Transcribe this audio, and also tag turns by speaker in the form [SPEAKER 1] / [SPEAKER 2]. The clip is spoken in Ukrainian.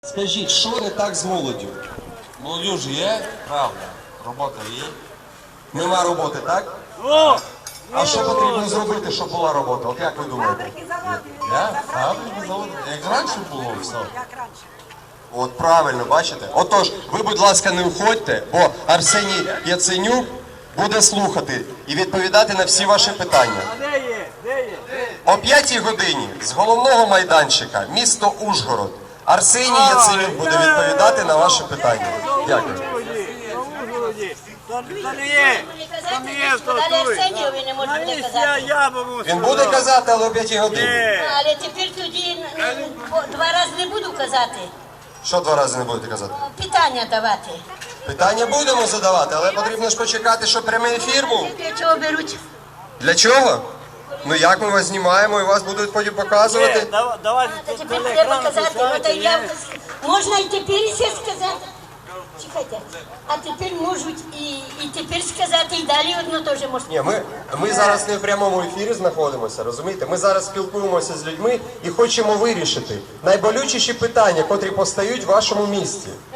[SPEAKER 1] Скажіть, що не так з молоддю?
[SPEAKER 2] Молодіж є, правда, робота є.
[SPEAKER 1] Нема роботи, так? А що потрібно зробити, щоб була робота? От як ви думаєте?
[SPEAKER 2] Фабрики, заводи. Як раніше було все.
[SPEAKER 1] От правильно, бачите? Отож, ви, будь ласка, не уходьте, бо Арсеній Яценюк буде слухати і відповідати на всі ваші питання. О 5-й годині з головного майданчика, місто Ужгород, Арсеній Яценюк буде відповідати на ваші питання. Дякую. Він буде казати, але о 5-й годині.
[SPEAKER 3] Але тепер тоді два рази не буду казати.
[SPEAKER 1] Що 2 рази не будете казати?
[SPEAKER 3] Питання давати.
[SPEAKER 1] Питання будемо задавати, але потрібно ж почекати, щоб прямий ефір був.
[SPEAKER 3] Для чого беруть?
[SPEAKER 1] Для чого? Ну як ми вас знімаємо і вас будуть потім показувати?
[SPEAKER 3] Та тепер треба казати. Можна і тепер ще сказати. Чекайте. А тепер можуть і тепер сказати, і далі одно теж можна.
[SPEAKER 1] Ні, ми зараз не в прямому ефірі знаходимося, розумієте? Ми зараз спілкуємося з людьми і хочемо вирішити найболючіші питання, котрі постають в вашому місті.